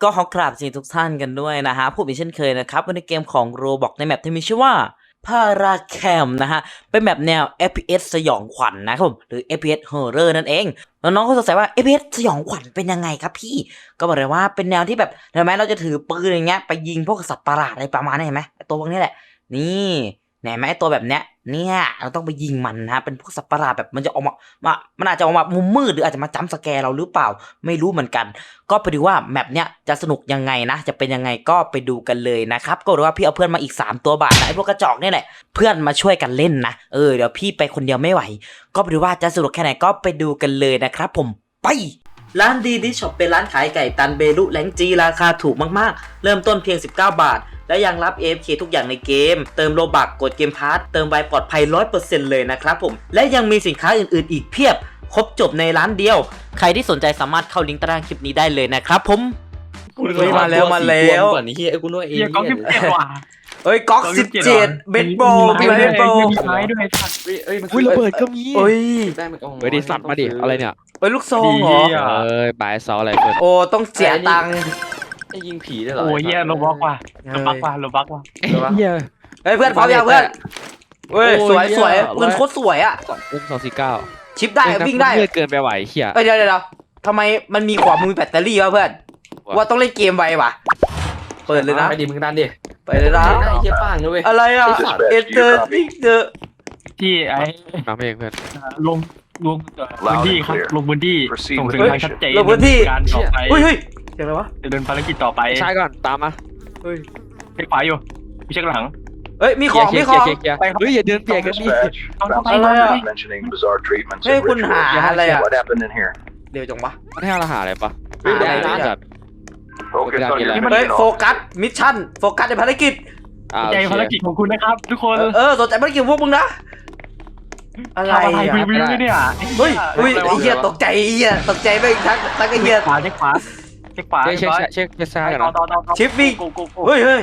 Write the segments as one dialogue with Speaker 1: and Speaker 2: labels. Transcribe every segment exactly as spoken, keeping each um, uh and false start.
Speaker 1: ก็ขอกราบสวัสดีทุกท่านกันด้วยนะฮะผมอีกเช่นเคยนะครับในเกมของ Roblox ในแมปที่มีชื่อว่าพาราแคมนะฮะเป็นแมปแนว เอฟ พี เอส สยองขวัญ นะครับผมหรือ เอฟ พี เอส Horror นั่นเองแล้วน้องก็สงสัยว่า เอฟ พี เอส สยองขวัญเป็นยังไงครับพี่ก็บอกเลยว่าเป็นแนวที่แบบเห็นไหมเราจะถือปืนอย่างเงี้ยไปยิงพวกสัตว์ประหลาดอะไรประมาณนี้เห็นไหมตัวพวกนี้แหละนี่เห็นไหมตัวแบบเนี้ยเนี่ยเราต้องไปยิงมันนะเป็นพวกสัตว์ประหลาดแบบมันจะออกมามามันอาจจะออกมามุมมืดหรืออาจจะมาจัมป์สแกร์เราหรือเปล่าไม่รู้เหมือนกันก็ไปดูว่าแมปเนี้ยจะสนุกยังไงนะจะเป็นยังไงก็ไปดูกันเลยนะครับก็รู้ว่าพี่เอาเพื่อนมาอีกสามตัวบาทนะไอ้พวกกระจอกนี่แหละเพื่อนมาช่วยกันเล่นนะเออเดี๋ยวพี่ไปคนเดียวไม่ไหวก็ไปดูว่าจะสนุกแค่ไหนก็ไปดูกันเลยนะครับผมไปร้านดีดิช็อปเป็นร้านขายไก่ตันเบลุแลงจีราคาถูกมากๆเริ่มต้นเพียงสิบเก้าบาทและยังรับ เอ เอฟ เค ทุกอย่างในเกมเติมโลบักกดเกมพาสเติมไวปลอดภัย ร้อยเปอร์เซ็นต์ เลยนะครับผมและยังมีสินค้าอื่นๆอีกเพียบครบจบในร้านเดียวใครที่สนใจสามารถเข้าลิงก์ใต้ล่างคลิปนี้ได้เลยนะครับผมเฮ้ยมาแล้วมาแล้ว
Speaker 2: ก่อนนี้เฮียไอ้กูนึกว่าเอง
Speaker 3: เฮียก๊อกสิบเจ็ดว่ะ
Speaker 1: เอ้ยก๊อกสิบเจ็ดเบสบอลมีเบสบอล
Speaker 3: มีไม้ด้วยสัตว์
Speaker 2: เฮ้ยเอ้ยมัน
Speaker 4: อุ้ยระเบิดก็มี
Speaker 1: เอ้ย
Speaker 2: ได้มันก็
Speaker 4: เฮ้ยดิสัตว์มาดิอะไรเนี่ย
Speaker 1: เอ้ยลูกซองเหรอ
Speaker 4: เอ้ยบายซออะไรเพื่อน
Speaker 1: โอ้ต้องเสียตังค์
Speaker 2: ไอ้ยิงผีได้เหรอ
Speaker 3: โอ้ยเฮียโลบ็อกว่ะโลบักว่ะโลบักว่ะ
Speaker 4: เฮีย
Speaker 1: เฮ้ยเพื่อนพร้อมยังเพื่อนเฮ้ยสวยสวยเงินโคตรสวยอ่ะ
Speaker 4: อุ้มสองสี่เก้า
Speaker 1: ชิปได้วิ่งได้
Speaker 4: เลือดเกินไปไหวเฮีย
Speaker 1: เอ้ยเดี๋ยวเดี๋ยวทำไมมันมีขวามือแบตเตอรี่วะเพื่อนว่าต้องเล่นเกมไวว่ะเปิดเลยนะ
Speaker 2: ไปดิมึงดันดิ
Speaker 1: ไปเลยนะ
Speaker 2: ไอ้เฮียป้างนะเว้ย
Speaker 1: อะไรอ่ะเอเตอร์พิกเตอร์
Speaker 3: ที่ไอ้
Speaker 4: น้ำเองเพื่อน
Speaker 3: ลงลงพื้นที่ครับลงพื้นที่ส่งถึงทางชัดเจนการต่อไป
Speaker 1: เฮ้ยเฮ้ยเสียงอะไรวะ
Speaker 3: จะเดินภารกิจต่อไป
Speaker 4: ใช่ก่อนตามมา
Speaker 1: เฮ้ย
Speaker 3: เช็คขวาอยู่มีเช็คหลัง
Speaker 1: เฮ้ยมีของมีของ
Speaker 4: เฮ้ยอย่าเดินเปียกกันดิ
Speaker 3: ต้องไป
Speaker 1: อะไรอ่ะ
Speaker 5: mentioning bizarre treatments
Speaker 1: เฮ้ย
Speaker 5: and
Speaker 1: คุณหา
Speaker 5: rituals.
Speaker 1: อะไรอ่ะ
Speaker 5: What happened in here?
Speaker 1: เดี๋ยวจงวะ
Speaker 4: มันให้อาหารอะไรปะ
Speaker 1: หาอะไร
Speaker 4: ได้
Speaker 1: เนี่ย
Speaker 4: จัด
Speaker 5: Focus on your
Speaker 1: เฮ้ย
Speaker 5: mission.
Speaker 1: โฟกัสมิชชั่นโฟกัสในภารกิจ
Speaker 4: อ่า
Speaker 3: ใจภารกิจของคุณนะครับทุกคน
Speaker 1: เออสนใจภารกิจพวกมึงนะอะไร
Speaker 3: ทำอะไร
Speaker 1: อ่ะ
Speaker 3: วิววิวเนี่ย
Speaker 1: เฮ้ยเฮ้ยไอ้เหี้ยตกใจไอ้เหี้ยตกใจไปทั้งทั้งไอ้เหี้ย
Speaker 3: ขวาเช็คขวาเช็คขวา
Speaker 4: เช็คเช็คเช็คเช็คซ้ายกัน
Speaker 3: ต่อ
Speaker 4: นะ
Speaker 3: ต่อต่อ
Speaker 1: ชิปวิ่ง
Speaker 3: กูกูกู
Speaker 1: เฮ้ยเฮ้ย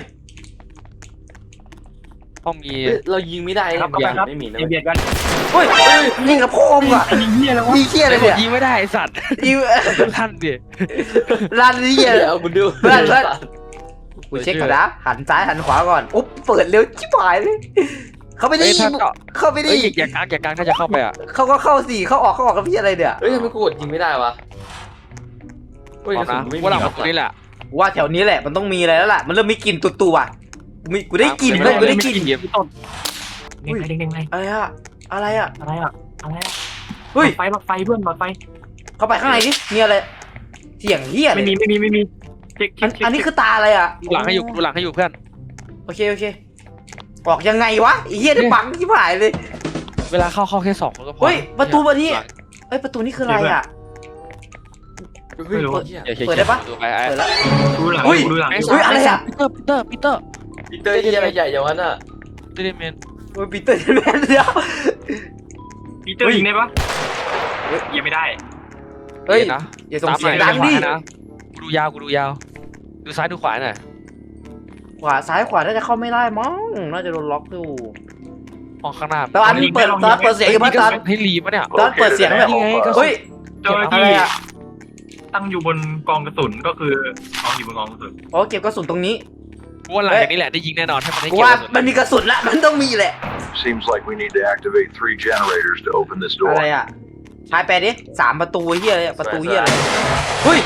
Speaker 4: ต้องมี
Speaker 2: เรายิงไม่ได้
Speaker 3: ครับ
Speaker 2: มัน
Speaker 3: ครับ
Speaker 2: ไม่มีนะ
Speaker 3: เบียดกัน
Speaker 1: เฮ้ยยิงกับพ่อมึงอ่ะ
Speaker 3: ไอ้ยิงเฮียแล้ววะ
Speaker 1: ยิงเหี้ยอะไรเนี่ย
Speaker 4: ยิงไม่ได้ไอสัตว์
Speaker 1: ยิง
Speaker 4: ท่านดิ
Speaker 1: รันเหี้ย
Speaker 2: เอาคุณดู
Speaker 1: เพื่อนเพื่อน กูเช็คก่อนนะหันซ้ายหันขวาก่อนอุ๊บเปิดเร็วชิบหายเลยเข้าไปดิ
Speaker 4: เฮ้ยถ้าก็
Speaker 1: เข้าไปดิ
Speaker 4: เฮ้ยอย่ากางอย่ากางถ้าจะเข้าไปอ่ะ
Speaker 1: เขาก็เข้าสิเข้าออกเข้าออกกับพี่อะไรเนี่ย
Speaker 2: เฮ้ยทำไมกูกดยิงไม่ได้วะเฮ้ย
Speaker 4: บอกนะว่าหลังประตูนี่แหละ
Speaker 1: ว่าแถวนี้แหละมันต้องมีอะไรแล้วล่ะมันเริ่มมีกลิ่นตุ่ๆอ่ะมีกูได้กลิ่นเลยกูได้กลิ่น
Speaker 3: พี่ต้นเด้งไปเด้งไป
Speaker 1: อะไรอะอะไรอะ
Speaker 3: อะไรอ่ะอะไรอ่ะ
Speaker 1: เฮ้ย
Speaker 3: ไฟไฟเพื่อนหลอดไฟ
Speaker 1: เข้าไปข้างในดิมีอะไรเสียงเฮีย
Speaker 3: ไม่มีไม่มีไม่มีเช็ค
Speaker 1: อันอันนี้คือตาอะไรอะ
Speaker 4: ดูหลังให้อยู่ดูหลังให้อยู่เพื่อน
Speaker 1: โอเคโอเคออกยังไงวะไอ้เฮียได้บังชิบหายเลย
Speaker 4: เวลาเข้าเข้าแค่สองคนก็พอ
Speaker 1: เฮ้ยประตูประตูเอ้ยประตูนี่คืออะไรอะ
Speaker 2: เฮ้ย
Speaker 4: อย่าเช็ค
Speaker 1: เปิดได้ปะ
Speaker 4: ประตูไปไอ้
Speaker 1: เปิดแล้ว
Speaker 3: ดูหลัง
Speaker 1: เฮ้ย
Speaker 3: ดูหลัง
Speaker 4: ไอ้
Speaker 1: เฮ้ยอะไรอะ
Speaker 4: ปีเตอร์ปีเตอร์ปีเตอร์
Speaker 2: ปีเตอร์ที่อะไรใหญ่อย่างนั้นอ่ะ
Speaker 4: ปีเตอร์เมน
Speaker 1: โอ้ยปีเตอร์แมนเดียว
Speaker 3: ปีเตอร์ยิงได้ปะยิงไม่ได้
Speaker 1: เฮ้ย
Speaker 4: นะ
Speaker 1: อย่าส่งเสียงดังดิ
Speaker 4: นะกูดูยาวกูดูยาวดูซ้ายดูขวาหน่อย
Speaker 1: ขวาซ้ายขวาน่าจะเข้าไม่ได้มั้งน่าจะโดนล็อกอยู่
Speaker 4: มองข้างหน้า
Speaker 1: แต่อันนี้เปิดตอนเปิดเสียงอยู่ป่ะตอน
Speaker 4: ให้รีบปะเนี่ย
Speaker 1: ตอนเปิดเสียงแบบ
Speaker 4: นี่ไงก็
Speaker 1: เฮ้ย
Speaker 3: เจ้าหน้า
Speaker 1: อะไร
Speaker 3: ที่
Speaker 1: อะ
Speaker 3: ตั้งอยู่บนกองกระสุนก็คือกองอยู่บนกองกระสุน
Speaker 1: อ๋อเก็บกระสุนตรงนี้
Speaker 4: กูว่าหลังจากนี้แหละได้ยิงแน่นอนถ้ามันได้
Speaker 1: กู
Speaker 4: เกี่ยว
Speaker 1: ว่า
Speaker 4: กับ
Speaker 1: มันมีกระสุนละมันต้องมีแหละ
Speaker 5: Seems like we need to activate three generators to open this
Speaker 1: อะไร
Speaker 5: door.
Speaker 1: อ่ะชายแปลดิสามประตูเฮียอะไรอะประตูเฮียอะไรเฮ้ย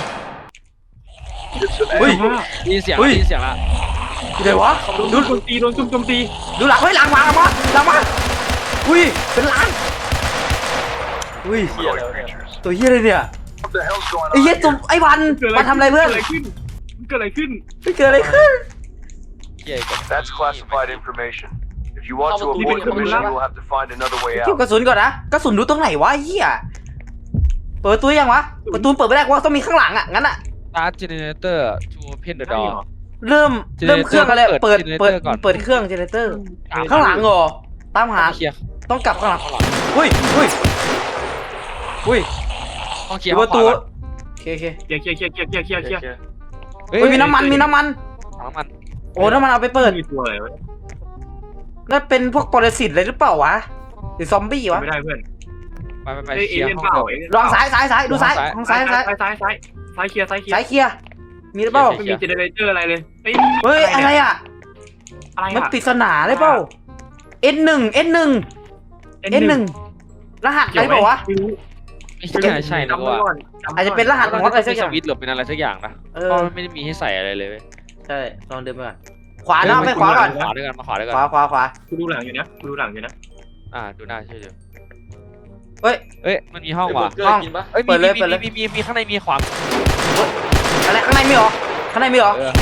Speaker 5: Get some
Speaker 1: เฮ้ย
Speaker 5: ammo.
Speaker 4: ได้ยินเสียง
Speaker 1: เฮ้ย
Speaker 4: ได้ยินเสียงละ
Speaker 1: เดี๋ยววะ
Speaker 3: โดนโจมตีโดนจุ่มโจมตี
Speaker 1: ดูหลังเฮ้ยหลังมาหลังมาหลังมาอุ้ยเป็นล้านอุ้ย
Speaker 5: Humanoid creatures.
Speaker 1: ตัวเฮียอะไรเนี่ย
Speaker 5: What the hell's going
Speaker 1: ไอ้
Speaker 5: on?
Speaker 1: เฮียจุ่มไอ้วันวันทำอะไรเพื่อน
Speaker 3: เกิดอะไรขึ้นเกิดอะไรขึ้น
Speaker 1: ไม่เกิดอะไรขึ้น
Speaker 4: เกี่ยวกับ
Speaker 5: That's classified information. If you want to avoid the mission, you'll have to find another way
Speaker 1: เก็บ
Speaker 5: out.
Speaker 1: กระสุนก่อนนะกระสุนดูตรงไหนวะไอ้เฮียเปิดประตูยังวะประตูเปิดไม่ได้ว่าต้องมีข้างหลังอ่ะงั้นอ่ะ
Speaker 4: ตาร์ทเจเนเรเตอร์ทูเพนเดอร์ดอ
Speaker 1: เริ่มเริ่มเครื่องอะไรเปิดเปิด
Speaker 4: generator ก่อน
Speaker 1: เปิดเครื่องเจเนเรเตอร์ข้างหลังเหรอตามหา
Speaker 4: เคลียร์
Speaker 1: ต้องกลับข้างหลัง
Speaker 4: ข้างหลัง
Speaker 1: อุ้ยอุ้ยอุ้ย
Speaker 4: ต้องเคลียร์
Speaker 1: ประตู
Speaker 4: ข้างขวา
Speaker 1: โอเคโอเค
Speaker 3: เคลียร์เคลียร์เคลียร์เคลียร์เคลียร์เคลียร์เคลียร์
Speaker 1: เฮ้ยมีน้ำมันมีน้ำมัน
Speaker 4: น้ำมัน
Speaker 1: โอ้น้ำมันเอาไปเปิด
Speaker 3: มีตัวอะไรวะ
Speaker 1: นั่นเป็นพวกปรสิตเลยหรือเปล่าวะหรือซอมบี้วะ
Speaker 3: ไม่ได้เพื่อน
Speaker 4: ไปไปไป
Speaker 3: เอ้ย
Speaker 4: เค
Speaker 3: เอ
Speaker 4: ลียร์
Speaker 3: เลี่ยน
Speaker 4: ห้อง
Speaker 3: เปล่า
Speaker 4: เดิม
Speaker 3: เอเลี่ยน
Speaker 1: ลองซ้ายซ้ายซ้ายดูซ้าย
Speaker 4: ซ้าย
Speaker 1: ทางซ้ายทางซ้าย
Speaker 3: ซ้ายซ้ายซ้ายซ้ายเคลียร์ซ้ายเคลีย
Speaker 1: ซ้าย
Speaker 3: ร์
Speaker 1: เคลียร์มีหรือเปล่า
Speaker 3: ไม่มีเจเนเรเตอร์อะไรเลยเฮ้ย
Speaker 1: เฮ้ยอะไรอ่ะ
Speaker 3: อะไร
Speaker 1: มัน
Speaker 3: อะ
Speaker 1: ปริศนาเลยเปล่า N หนึ่ง N หนึ่ง N หนึ่งรหัสอะไรเปล่าวะ
Speaker 4: ไม่ใช่ใช่นะว่า
Speaker 1: อาจจะเป็นรหัส
Speaker 4: มัน
Speaker 1: มอสอะไร
Speaker 4: จะ
Speaker 1: สั
Speaker 4: มี
Speaker 1: กอ
Speaker 4: ส
Speaker 1: ย่าง
Speaker 4: วิตช์หรือเป็นอะไรสักอย่างนะ
Speaker 1: เอ
Speaker 4: เพ
Speaker 1: อ
Speaker 4: ราะมันไม่ได้มีให้ใส่อะไรเลยเว้ย
Speaker 1: ใช่ลองเดินไปก่อนขวาเนาะไปขวาก่อน
Speaker 4: ขวาด้วยกันมาขวาด้วยกั
Speaker 1: ขวาขวาขวา
Speaker 3: กูดูหลังอยู่นะกูดูหลังอยู่นะ
Speaker 4: อ่าดูหน้าเชื่อเดี๋ยว
Speaker 1: เฮ้ย
Speaker 4: เอ้ยมันมีห้องว่ะ
Speaker 2: เบอร์เกอร์กินปะ
Speaker 4: เอ้ย
Speaker 1: เปิ
Speaker 4: มี
Speaker 1: ดเลย
Speaker 4: มี
Speaker 1: เปิดเลย
Speaker 4: มีมีมีข้างในมีขวา
Speaker 1: อะไรข้างในมีเหรอข้างในมีเหรอ
Speaker 4: เออ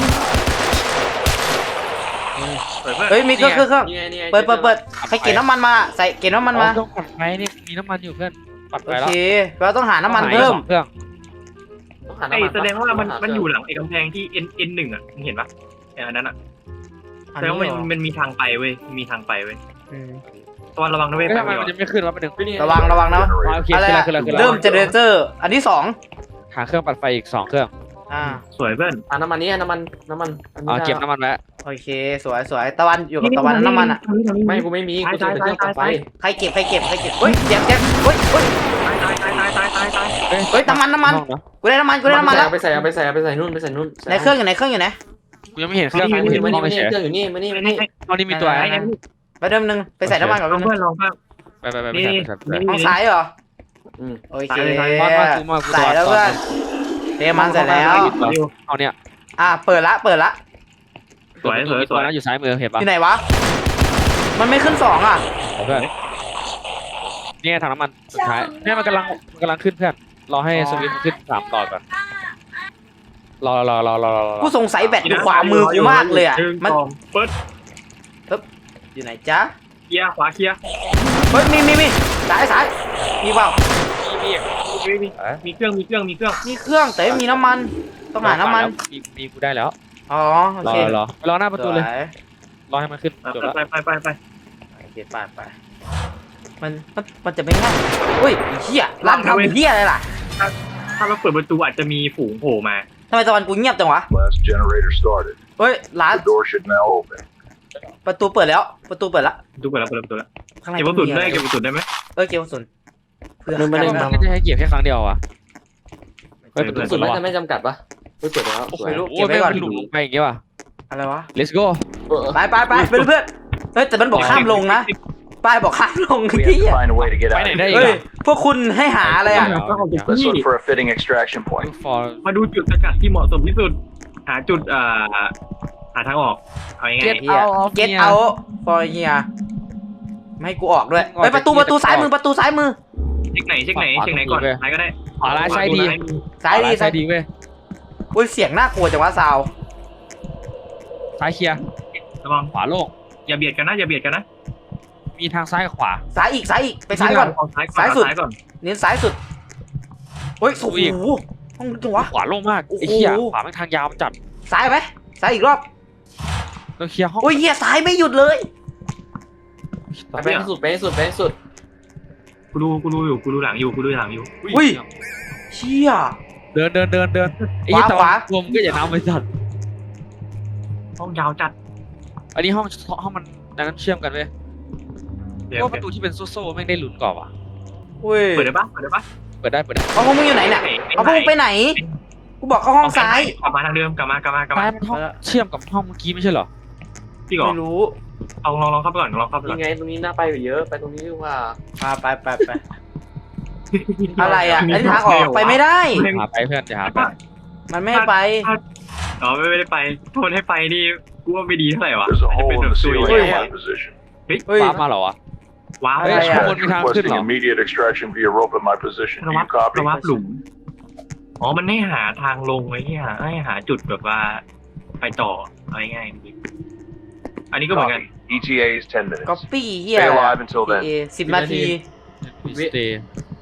Speaker 3: เปิดเพื่อน
Speaker 1: เฮ้ยมีเครื่องเครื่องเครื่อง
Speaker 2: นี่ไงนี่ไง
Speaker 1: เปิดเปิดเปิดใครเก็บน้ำมันมาใส่เก็บน้ำมันมา
Speaker 4: ต้องปัดไฟนี่มีน้ำมันอยู่เพื่อนปัด
Speaker 1: โอ
Speaker 4: ไปแล้ว
Speaker 1: เคเราต้องหาน้ำมันเพิ่ม
Speaker 4: เครื่อง
Speaker 2: ต้องหา
Speaker 3: ไอ้
Speaker 2: น้ำมัน
Speaker 3: แสดงว่ามัน
Speaker 2: หา
Speaker 3: มัน
Speaker 2: เค
Speaker 3: อ
Speaker 2: รื่
Speaker 3: ยู่หลังไอ้กำแพงที่ N N หนึ่งอ่ะมึงเห็นปะไอ้อันนั้นอ่ะ
Speaker 1: อัน
Speaker 3: แสดง
Speaker 1: นี้
Speaker 3: ว่า
Speaker 1: เห
Speaker 3: มัน
Speaker 1: รอ
Speaker 3: มันมีทางไปเว้ยมีทางไปเว้ย
Speaker 1: อืม
Speaker 3: ตอนระวังนะเว้ย
Speaker 4: เอ้ย
Speaker 3: ไป
Speaker 4: ทำไม
Speaker 3: ไม่
Speaker 4: มัน
Speaker 3: รอ
Speaker 4: ยังไม่ขึ้นวะประเด็น
Speaker 2: เฮ้ยนี่ไ
Speaker 1: ระวังระวังนะ
Speaker 4: อ๋อโอเค
Speaker 1: อะไร
Speaker 4: ขึ้นแล้ว
Speaker 1: อะ
Speaker 4: ขึ้นแล้วขึ้นแล้ว
Speaker 1: เริ่มเจเนเรเตอร์อันที่สอง
Speaker 4: หาเครื่องปัดไฟอีกสองเครื่อง
Speaker 1: อ่า
Speaker 3: สวยเพื่อน
Speaker 2: อ่ะน้ำมันนี่น้ำมันน้ำมันอันนี้
Speaker 4: อ๋อเก็บ
Speaker 2: ได้
Speaker 4: น้ำมันไว้
Speaker 1: โอเคสวยสวยตะวันอยู่กับตะวันน้ำมันอ่ะ
Speaker 2: ไม่กูไม่มีกูจะเป็นเครื่องปั่นไฟ
Speaker 1: ใครเก็บใครเก็บใครเก็บเฮ้ยเจ็บเจ็บเฮ้ยเฮ้ย
Speaker 3: ตายตายตายตายตายตายตาย
Speaker 1: เฮ้ยน้ำมันน้ำมัน
Speaker 4: ห้องะ
Speaker 1: กูได้น้ำมันกูได้น้ำมันแล้ว
Speaker 2: เอาไปใส่เอาไปใส่เอาไปใส่นู่นไปใส่นู่น
Speaker 1: ในเครื่องอยู่ไหนเครื่องอยู่ไหน
Speaker 4: กูยังไม่เห็นเครื่อง
Speaker 2: มา
Speaker 4: กู
Speaker 2: นี่
Speaker 4: เห็น
Speaker 2: มา
Speaker 4: ห้
Speaker 2: นี่
Speaker 4: อง
Speaker 2: มานี่
Speaker 4: เฉย
Speaker 2: เครื่องอยู่นี่มานี่มานี่
Speaker 4: ห้องนี้มีตัว
Speaker 1: ไหน
Speaker 4: อะไร
Speaker 1: ไปเดิมหนึ่งไปใส่น้ำมันก่อน
Speaker 3: ลอง
Speaker 1: แป๊บนึ
Speaker 3: เพื่อง นลองเพื่อน
Speaker 4: ไปไปไปไป
Speaker 3: นี่
Speaker 4: ใส่ไปใส่
Speaker 3: นี่
Speaker 1: ห้องซ้ายเหรอ
Speaker 2: อืม
Speaker 1: โอเค
Speaker 3: ซ้ายเลย
Speaker 4: มามากูมากู
Speaker 1: ใส่แล้ว
Speaker 4: ต
Speaker 1: เพื่
Speaker 4: อ
Speaker 1: อน นเทมันใส่แล้ว
Speaker 4: เอาเนี่ย
Speaker 1: อ่ะเปิดละเปิดละ
Speaker 3: สวยสวยส
Speaker 4: ตัว
Speaker 3: วย
Speaker 4: นั้นอยู่ซ้ายมือเห็น
Speaker 1: อ
Speaker 4: ปะ
Speaker 1: ยู่ไหนวะมันไม่ขึ้นสองอ่ะ
Speaker 4: เพื่อนนี่ไงถังน้ำมันสุดท้ายเนี่ยมันกำลังมันกำลังขึ้นเพื่อนรอให้สวิตช์มันขึ้นสามต่อก่อนรอรอรอรอรอรอ
Speaker 1: กูสงสัยแบตอยู่ขวามือกูมากเลยอ่ะมัน
Speaker 3: เปิด
Speaker 1: อยู่ไหนจ๊ะ
Speaker 3: เคลียร์ขวาเคลียร์
Speaker 1: เฮ้ยมีมีมีสายสายมีเปล่า
Speaker 4: มีมี
Speaker 3: มีมีเครื่องมีเครื่องมีเครื่อง
Speaker 1: มีเครื่องแต่ไม่มีน้ำมันต้องหาน้ำมัน
Speaker 4: มีมีกูได้แล้ว
Speaker 1: อ๋อโอ
Speaker 4: รอ
Speaker 1: เค
Speaker 4: รอรอหน้าประตูเลย
Speaker 1: สวย
Speaker 4: รอให้มันขึ้นจบแล้ว
Speaker 3: ไปไปไปไป
Speaker 1: โอเคไปไปมันมันมันจะไม่ง่ายอุ้ยไอ้เหี้ยร้านทำไอ้เหี้ยอะไรล่ะ
Speaker 3: ถ้าเราเปิดประตูอาจจะมีฝูงโผล่มา
Speaker 1: ทำไมตะวันกูเงียบจังวะ
Speaker 5: Last generator started.
Speaker 1: เฮ้ยร้าน
Speaker 5: The door should now open.
Speaker 1: ประตูเปิดแล้ว ประตูเปิดละ
Speaker 3: ดูเปิดแล้วเปิดแล้วเปิดแล้ว
Speaker 1: ข้างใน
Speaker 3: เก็บกระสุนได้
Speaker 1: มีอะร
Speaker 3: เก็บกระสุนได้ไหม
Speaker 1: เออเก็บกระสุนเพื่อ
Speaker 2: ไม่ได้
Speaker 4: มันก็จะให้เก็บแค่ครั้งเดียวอ่ะเฮ้ย
Speaker 3: เปิด
Speaker 4: ประตู
Speaker 2: สุ
Speaker 4: สุ
Speaker 2: ด
Speaker 4: ด
Speaker 2: ไม่
Speaker 4: แล้ว
Speaker 2: จะไม่จำกัดปะไม่เปิดแล้ว
Speaker 4: โอ้โห
Speaker 2: สวย
Speaker 1: เก็บไว้ก่อน
Speaker 4: ไม่เป็นหลุมลงไปอย่างเงี้ยว่ะ
Speaker 1: อะไรวะ
Speaker 4: let's go
Speaker 2: เออ
Speaker 1: ไปไปไปเพื่อนเพื่อนเฮ้ยแต่มันบอกห้ามลงนะป้ายบอกห้ามลง
Speaker 5: We have
Speaker 1: ที่
Speaker 5: to find a way to get
Speaker 4: ไป
Speaker 5: out.
Speaker 4: ไหน
Speaker 5: of
Speaker 4: ได้
Speaker 5: here.
Speaker 4: อีก
Speaker 1: เฮ้ย
Speaker 4: อ่ะ
Speaker 1: พวกคุณให้หาอะไรอ่ะ
Speaker 5: Let's look for a fitting extraction point.
Speaker 4: look for
Speaker 3: มาดูจุดสกัดที่เหมาะสมที่สุด หาจุดเอ่อหาทางออกเอาง่าย
Speaker 4: Get
Speaker 1: เฮีย
Speaker 4: out of
Speaker 1: เก็ต
Speaker 4: here
Speaker 1: เอาฟอร์เฮียไม่ให้กูออกด้วย
Speaker 4: ออก
Speaker 1: เฮ้ยประตู
Speaker 4: จาก
Speaker 1: ประตู
Speaker 4: ที่
Speaker 1: ซ้าย
Speaker 4: จะ
Speaker 1: มือประตูซ้ายมือ
Speaker 3: ๆเช็คไหนเช็คไหนเช็คไหนก่อนไหนก็ได้
Speaker 4: ขวาร้ายซ้ายดี
Speaker 1: ซ้ายดี
Speaker 4: ซ้ายดีเว้ย
Speaker 1: อุ้ยเสียงน่ากลัวจังวะซาว
Speaker 4: ซ้ายเคลียร์
Speaker 3: ระวัง
Speaker 4: ขวาโล่ง
Speaker 3: อย่าเบียดกันนะอย่าเบียดกันนะ
Speaker 4: มีทางซ้ายกับขวา
Speaker 1: ซ้ายอีกซ้ายอีกไปซ้ายก่อน
Speaker 3: ซ้ายก่อน
Speaker 1: ซ้ายสุด
Speaker 3: ซ้ายก่อน
Speaker 1: เน้นซ้ายสุดเฮ้ยโอ้โห
Speaker 4: อีก
Speaker 1: ห้องลึกจังวะ
Speaker 4: ขวาโล่งมาก
Speaker 1: โอ้โห
Speaker 4: ไอ้เหี้ยขวามันทางยาวจัด
Speaker 1: ซ้ายไหมซ้ายอีกรอบ
Speaker 4: เราเคลียร์ห้อง
Speaker 1: โอ้ยเฮียซ้ายไม่หยุดเลย
Speaker 2: ไปให้สุดไปให้สุดไปให้สุด
Speaker 3: กูดูกูดูอยู่กูดูหลังอยู่กูดูหลังอยู่
Speaker 1: อุ้ยเชี่ย
Speaker 4: เดินเดินเดินเดินไอ้
Speaker 1: ขวา
Speaker 4: เหี้ยแต่
Speaker 1: ขวา
Speaker 4: รวมก็อย่าน้ำไปจัด
Speaker 3: ห้องยาวจัด
Speaker 4: อันนี้ห้องห้องมันนั้นเชื่อมกันเว้ย
Speaker 3: เดี๋ยว
Speaker 4: ว่าประตูที่เป็นโซ่ๆแม่งได้ลุ้นกว่าว่ะ
Speaker 1: อุ้ย
Speaker 3: เปิดได้ปะเปิดได้ปะ
Speaker 4: เปิดได้เปิดได้
Speaker 1: เอาพวกมึงอยู่ไหนเนี่ยเอาพวกมึงไปไหนกูบอกเข้าห้องซ้าย
Speaker 3: กลับมาทางเดิมกลับมากลับมากลับ
Speaker 4: ซ้าย
Speaker 3: มา
Speaker 4: มันห้องเชื่อมกับห้องเมื่อกี้ไม่ใช่เหรอ
Speaker 3: พี่ก่อน
Speaker 1: ไม่รู้
Speaker 3: เอาลองลองเข้าไปก่อนลองเข้าไปก่อน
Speaker 2: ยังไงตรงนี้น่าไปอยู่เยอะไปตรงนี้ดีกว่า
Speaker 1: มาไปไปไปอะไรอ่ะไอ้ทางออกไปไม่ได้
Speaker 4: หาไปเพื่อนอย่าหาไป
Speaker 1: มันไม่ให้ไป
Speaker 3: อ๋อไม่ไม่ได้ไปโทษให้ไปนี่กูว่าไม่ดีเท่าไหร่วะ
Speaker 5: There's a
Speaker 3: อาจจะ
Speaker 5: hole
Speaker 3: เป็น
Speaker 5: in
Speaker 3: แบบ
Speaker 5: the
Speaker 3: ซุย
Speaker 5: ceiling
Speaker 3: แย่
Speaker 5: in my position.
Speaker 1: เฮ้ย
Speaker 4: ว้ามาเหรอวะ
Speaker 3: ว้าว
Speaker 4: เฮ้ย
Speaker 1: อะไร
Speaker 4: ข้าง
Speaker 1: อ่ะ
Speaker 4: บนมีทางขึ้น
Speaker 5: Requesting
Speaker 4: เหรอ
Speaker 5: immediate extraction via rope in my position. Do
Speaker 3: ระวั
Speaker 5: you
Speaker 3: บ
Speaker 5: copy?
Speaker 3: ระวับหลุมอ๋อมันให้หาทางลงไว้เนี่ยให้หาจุดแบบว่าไปต่อเอาง่ายๆอันนี้ก็เหมือนกัน
Speaker 5: Copy. E T A is ten minutes.
Speaker 1: ก๊อปปี้เฮีย
Speaker 5: Stay alive until then.
Speaker 1: สิบนาที
Speaker 4: สเตย์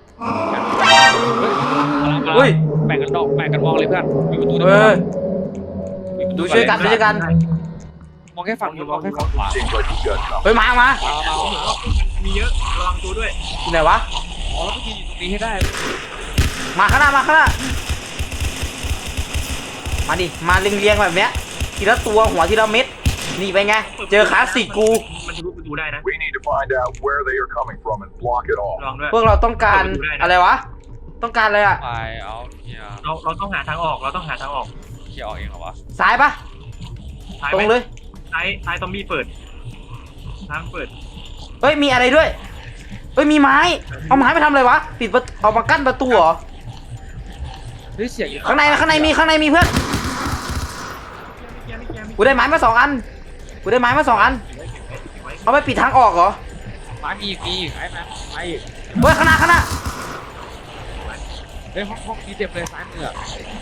Speaker 1: เฮ้ย
Speaker 4: แบ่งกันดอกแบ่งกันมองเลยเพื่อนมีประตู
Speaker 1: เฮ้ย
Speaker 4: มีประตู
Speaker 1: ดูช่วยกันดูช่วยกัน
Speaker 4: มองแค่ฝั่งนี้มองแค่ฝั่งขวา
Speaker 5: Seems like you've got company.
Speaker 1: เฮ้ยมามา
Speaker 4: เอาเอาเอา
Speaker 3: มีเยอะระวังตัวด้วย
Speaker 1: อยู่ไหนวะ
Speaker 4: อ๋อแล้วก็ยืนอยู่ตรงนี้ให้ได้
Speaker 1: มาข้างหน้ามาข้างหน้ามาดิมาเรียงๆแบบเนี้ยทีละตัวหัวทีละเม็ดนี่ไปไงเจอคลาสสิกกู
Speaker 3: มันทะลุประตูได้นะ
Speaker 5: We need to find out where they are coming from and block it
Speaker 3: ระ
Speaker 5: off.
Speaker 3: วังด้วย
Speaker 1: พวกเราต้องการ
Speaker 3: เปิดประตูได้นะ
Speaker 1: อะไรวะ ต้องการอะไรอ่ะ
Speaker 4: ไปเอาเนี่ย
Speaker 3: เราเราต้องหาทางออกเราต้องหาทางออก
Speaker 4: เคลียร์ออกเองเหรอวะ
Speaker 1: ซ้ายปะ
Speaker 3: ซ้าย
Speaker 1: ต
Speaker 3: ไห
Speaker 1: ร
Speaker 3: ม
Speaker 1: งเลย
Speaker 3: ซ้ายซ้ายซอมบี้เปิดทางเปิด
Speaker 1: เฮ้ยมีอะไรด้วยเฮ้ยมีไม้เอาไม้ไปทำอะไรวะปิดประเอามากั้นประตูเหรอ
Speaker 4: เฮ้ยเสียง
Speaker 1: ข้างในข้างในมีข้างในมีเพื่อนกูได้ไม้มาสองอันกูได้ไม้มาสองอันเอาไปปิดทางออกเหรอ
Speaker 4: ไม้มีอีกมีอีกไอ้แม่ไม้อีก
Speaker 1: เฮ้ยข้างหน้าข้างหน้า
Speaker 4: เฮ้ยห้องห้องนี้เต็มเลยซ้ายมืออะ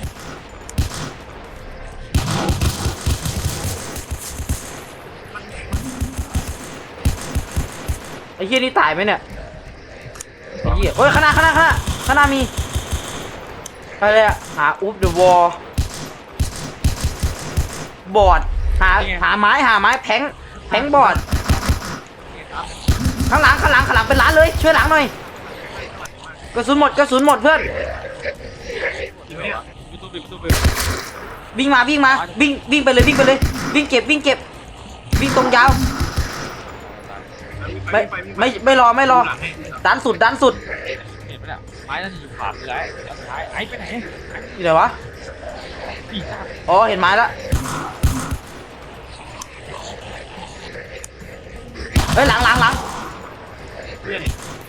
Speaker 1: ไอ้เหี้ยนี่ตายไหมเนี่ยไอ้เหี้ยเฮ้ยข้างหน้าข้างหน้าข้างหน้าข้างหน้ามีอะไรอะหาอุ๊บเดอะวอลบอร์ดหาหาไม้หาไม้แผงแผงบอร์ดข้างหลังข้างหลังข้างหลังเป็นร้านเลยช่วยหลังหน่อยกระสุนหมดกระสุนหมดเพื่อน
Speaker 4: ยูทูบยูทูบ
Speaker 1: วิ่งมาวิ่งมาวิ่งวิ่งไปเลยวิ่งไปเลย วิ่งเก็บวิ่งเก็บ วิ่งตรงยาวไม่ไม่ไม่รอไม่รอดันสุดดันสุด
Speaker 4: เห็นไหมเนี่ยไม้นั่นอยู่ขวามือไอ้แล้วซ้ายไอ้ไปไหน
Speaker 1: อยู่ไหนวะ
Speaker 4: ปีกหน้า
Speaker 1: อ๋อเห็นไม้แล้วเฮ้ยหลังหลังหลัง
Speaker 3: เพื่อน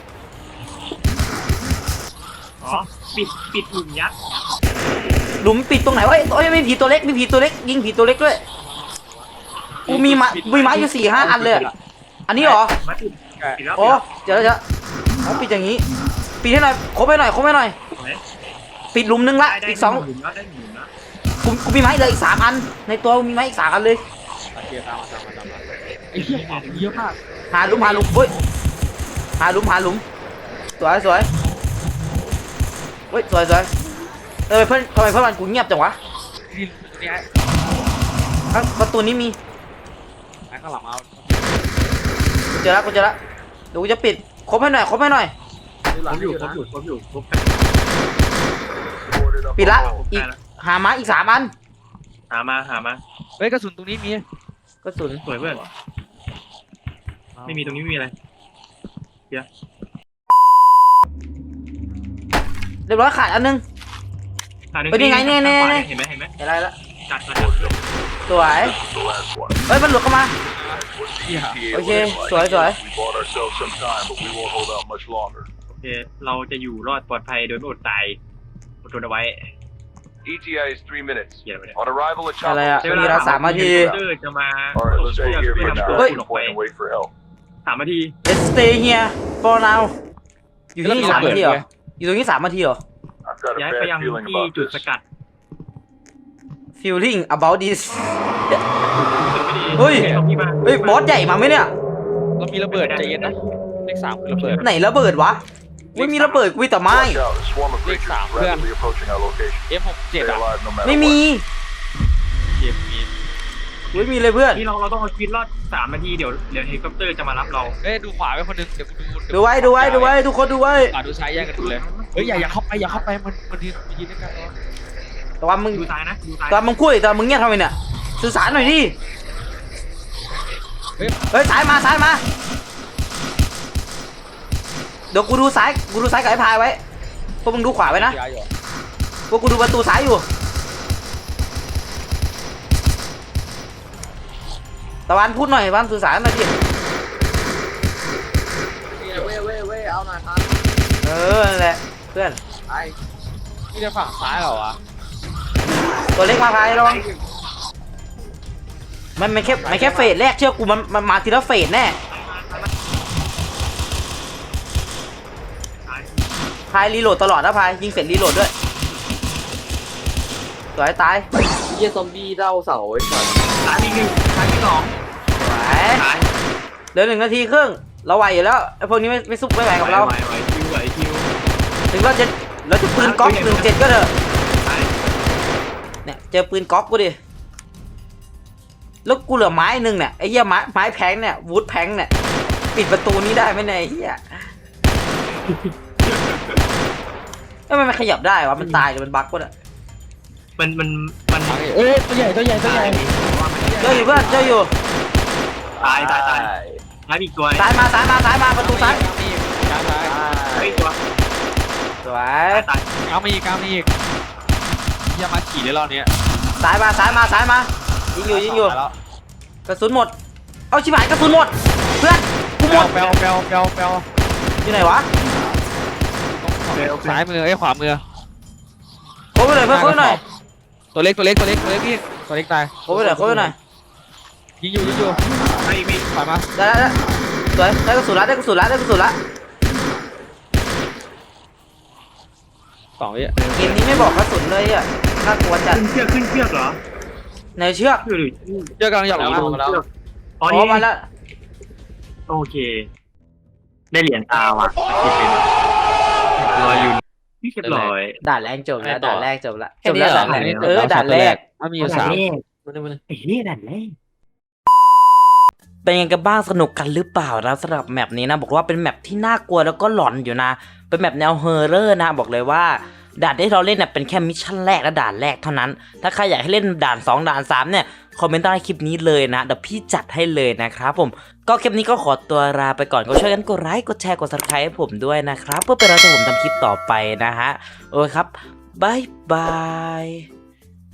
Speaker 3: อ๋อปิดปิดหลุมยักษ์
Speaker 1: หลุมปิดตรงไหนวะเอ้ยเอ้ยมีผีตัวเล็กมีผีตัวเล็กยิงผีตัวเล็กด้วยกูมีไม้มีไม้อยู่สี่ห้าอันเลยอะอันนี้เหรอ
Speaker 3: มาปิดปิดแล้ว
Speaker 1: โอ้เดี๋ยวเดี๋ยวเอาปิดอย่างนี้ปิดให้หน่อยครบให้หน่อยครบให้หน่อยปิดหลุมนึงละอีกสอง
Speaker 3: หลุมแล้วได้หลุมแล้ว
Speaker 1: กูกูมีไม้เหลยอีกสามอัน ในตัวกูมีไม้อีกสามอันเลย
Speaker 4: โอเคตามมาตามมาตามมาไอ้เหี้ยของเยอะมาก
Speaker 1: หาหลุมหาหลุมเฮ้ยหาหลุมหาหลุมสวยสวยเฮ้ยสวยสวยเออเพื่อนทำไมเพื่อนมันกูเงียบจังวะ
Speaker 4: นี่นี่ไอ้
Speaker 1: ข้างประตูนี้มี
Speaker 4: ไอ้ข้างหลังเอา
Speaker 1: กูเจอแล้วกูเจอแล้วเดี๋ยวกูจะปิดครบให้หน่อยครบให้หน่อย
Speaker 3: ผมอยู่ผมอยู่ผมอยู่ผม
Speaker 5: Boarded up
Speaker 1: ปิดละ
Speaker 5: all.
Speaker 1: อีกหาไม้อีกสามอัน
Speaker 3: หามาหามา
Speaker 4: เฮ้ยกระสุนตรงนี้มี
Speaker 1: กระสุน
Speaker 3: สวยเพื่อนไม่มีตรงนี้ไม่มีอะไร
Speaker 1: เรียบร้อยขาดอันนึง
Speaker 3: หาหนึ่ง
Speaker 1: เฮ้ยนี่ไงนี่นี่นี่
Speaker 3: เห็นไหมเห็นไหม
Speaker 1: เห็นอะไรละ
Speaker 3: จัดมา
Speaker 1: สวย
Speaker 5: The last one.
Speaker 1: เฮ้ยมันหลุดเข้ามา
Speaker 4: เหี้ย
Speaker 5: E T A
Speaker 1: Okay,
Speaker 5: looks like.
Speaker 1: sorry, sorry.
Speaker 5: We bought ourselves some time, but we won't hold out much longer.
Speaker 3: โอเคเราจะอยู่รอดปลอดภัยโดยไม่อดตายอดทนเอาไว้
Speaker 5: E T A is three minutes.
Speaker 3: เขียนไว้เนี่ย
Speaker 5: On arrival at
Speaker 1: อะไร
Speaker 5: Chopper.
Speaker 1: อะ
Speaker 3: ใช้เว
Speaker 1: มี
Speaker 3: ลา
Speaker 1: เราสามนาที
Speaker 3: เตอร์จะมา
Speaker 5: All right, let's stay here for
Speaker 3: นำ
Speaker 5: now.
Speaker 3: ตัว
Speaker 1: Hey.
Speaker 3: คุณออกไป
Speaker 5: Point and wait for help.
Speaker 3: สามนาที
Speaker 1: let's stay here for now อยู่ที่นี่สามนาทีเหรออยู่ตรงนี้สามนาทีเหรอ
Speaker 5: I've got a
Speaker 3: ย้ายไป
Speaker 5: bad
Speaker 3: ยัง
Speaker 5: feeling
Speaker 3: ที่
Speaker 5: about
Speaker 3: จุด
Speaker 5: this.
Speaker 3: สกัด
Speaker 1: feeling about this เฮ้ย
Speaker 3: ตรงที่มา
Speaker 1: เฮ้ยบอสใหญ่มาไหมเนี่ย
Speaker 4: เรามีระเบิดใจเย็นนะเลขสามคือระเบิด
Speaker 1: ไหนระเบิดวะไม่มีระเบิดกูมีแต่ไม้
Speaker 5: Watch out, a swarm of
Speaker 4: Big
Speaker 5: creatures
Speaker 4: Sam,
Speaker 5: is rapidly approaching our location.
Speaker 4: เอ็มหกเจ็ด
Speaker 5: Stay
Speaker 4: อ่ะ
Speaker 5: alive no matter
Speaker 1: ไม่มี
Speaker 5: what.
Speaker 4: เกมมี
Speaker 1: ไม่มีเลยเพื่อน
Speaker 3: ที่เราเราต้องเอาชีวิตรอดสามนาทีเดี๋ยวเดี๋ยวเฮลิคอปเตอร์จะมารับเรา
Speaker 4: เฮ้ยดูขวาไปคนหนึงเดี๋ยวกูดู
Speaker 1: ดูไว้ดูไว้ดูไว้ทุกคนดูไว้
Speaker 4: ขวาดูซ้ายแยกกันดูเลยเฮ้ยอย่าอย่าเข้าไปอย่าเข้าไปมันมันยืนมันยืนด้วยกันเนาะ
Speaker 1: แต่ว่ามึง
Speaker 3: ดูซ้ายนะดูซ้าย
Speaker 1: ตอนมึงพูดตอนมึงเงียบทำไมเนี่ยสื่อสารหน่อยดิ
Speaker 4: เฮ้ย
Speaker 1: เฮ้ยซ้ายมาซ้ายมาเดี๋ยวกูดูซ้ายกูดูซ้ายกับไอ้พายไว้พวกมึงดูขวาไว้นะ
Speaker 4: ย้ายอยู่
Speaker 1: พวกกูดูประตูซ้ายอยู่ตะวันพูดหน่อยตะวันสื่อสารหน่อยดิ
Speaker 2: เว้ยเว้ยเว้ยเอาหน่อยครับ
Speaker 1: เออนั่นแหละเพื่อน
Speaker 2: ไอ้
Speaker 4: นี่จะฝั่งซ้ายเหรอวะ
Speaker 1: ตัวเล็กมาพายระวังมันมันแค่มันแค่เฟสแรกเชื่อกูมันมันมาทีละเฟสแน่
Speaker 3: ซ้าย
Speaker 1: พายรีโหลดตลอดนะพายยิงเสร็จรีโหลดด้วยสวยตาย
Speaker 2: เหี้ยซอมบี้เด้าเสาไอ้สัส
Speaker 3: ซ้ายมีหนึ่งซ้ายมีสอง
Speaker 1: สวย
Speaker 3: ซ้าย
Speaker 1: เหลือหนึ่งนาทีครึ่งเราไหวอยู่แล้วไอ้พวกนี้ไม่ไม่ซุกไม่ไหวกับเรา
Speaker 3: ไหวไหวคิวไหวคิว
Speaker 1: ถึงเราจะเราจะปืนก๊อกหนึ่งเจ็ดก็เถอะ
Speaker 3: ซ้าย
Speaker 1: เนี่ยเจอปืนก๊อกกูดิแล้วกูเหลือไม้หนึ่งเนี่ยไอ้เหี้ยไม้ไม้แพงเนี่ยวูดแพงเนี่ยปิดประตูนี้ได้ไหมเนี่ยไอ้เหี้ยทำไมมันขยับได้วะมันตายหรือมันบั๊กวะเนี่ย
Speaker 3: มันมันมัน
Speaker 4: เอ้ยตัวใหญ่ตัวใหญ่ตัวใหญ่
Speaker 1: เจออยู่เพื่อนเจออยู่
Speaker 3: ตายตายตายซ้ายมีอีกตัว
Speaker 1: ซ้ายมาซ้ายมาซ้ายมาประตูซ้าย
Speaker 4: กลางซ้าย
Speaker 3: เฮ้ยตัว
Speaker 1: สวย
Speaker 3: ตายตาย
Speaker 4: กลางมาอีกกลางมาอีกอย่ามาขี่เลยรอบเนี้ย
Speaker 1: ซ้ายมาซ้ายมาซ้ายมายิงอยู่ยิงอยู่
Speaker 6: ตาแล้ว
Speaker 1: กระสุนหมดเอาชิบหายกระสุนหมดเพื่อนกูหมด
Speaker 4: แปลวแปลวแปลวแปลว
Speaker 1: อยู่ไหนวะ
Speaker 4: ซ้ายมือไอ้ยขวามือ
Speaker 1: โค้งไปหน่อยเพื่อนโค้งไปหน่อย
Speaker 4: ตัวเล็กตัวเล็กตัวเล็กตัวเล็กพี่ตัวเล็กตาย
Speaker 1: โค้งไปหน่อยโค้งไปหน่อย
Speaker 4: ยิงอยู่ยิงอยู่
Speaker 3: ไอ้พี่
Speaker 4: ถอยมา
Speaker 1: ได้ได้ได้สวยได้กระสุนละได้กระสุนละได้กระสุนละ
Speaker 4: สองวิ
Speaker 1: เกมนี้ไม่บอกกระสุนเลยอ่ะน่ากลัวจัด
Speaker 3: ขึ้นเชือกขึ้นเชือกเหรอ
Speaker 1: ในเชือก
Speaker 3: เชือกหรือ
Speaker 4: เจอกำลังหยอก
Speaker 2: แล้ว
Speaker 4: มา
Speaker 2: ลงมาแล้ว
Speaker 3: อ๋อ
Speaker 1: อ๋อ
Speaker 3: นี่
Speaker 1: มาแล้ว
Speaker 3: โอเค ได้เหรียญตาว่ะที่เป็นรอยอยู่นี่เรียบร้อย
Speaker 1: ด่านแรกจบแล้วด่านแรกจบละ
Speaker 2: แค่นี้เหรอ
Speaker 1: จบแล้วด่านแรกเออด่านแรก
Speaker 4: มันมีอยู่สาม
Speaker 2: มาเลยมาเลย
Speaker 3: ไอ้เนี่ยดันแรก
Speaker 1: เป็นยังไงกันบ้างสนุกกันหรือเปล่านะสำหรับแมปนี้นะบอกว่าเป็นแมปที่น่ากลัวแล้วก็หลอนอยู่นะเป็นแมปแนวเฮอร์เรอร์นะบอกเลยว่าด่านที่เราเล่นเนี่ยเป็นแค่มิชชั่นแรกและด่านแรกเท่านั้นถ้าใครอยากให้เล่นด่านสองด่านสามเนี่ยคอมเมนต์ใต้คลิปนี้เลยนะเดี๋ยวพี่จัดให้เลยนะครับผมก็คลิปนี้ก็ขอตัวลาไปก่อนก็ช่วยกันกดไลค์กดแชร์กด ซับสไครบ์ ให้ผมด้วยนะครับเพื่อเป็นเราจะผมทำคลิปต่อไปนะฮะโอเคครับบายบาย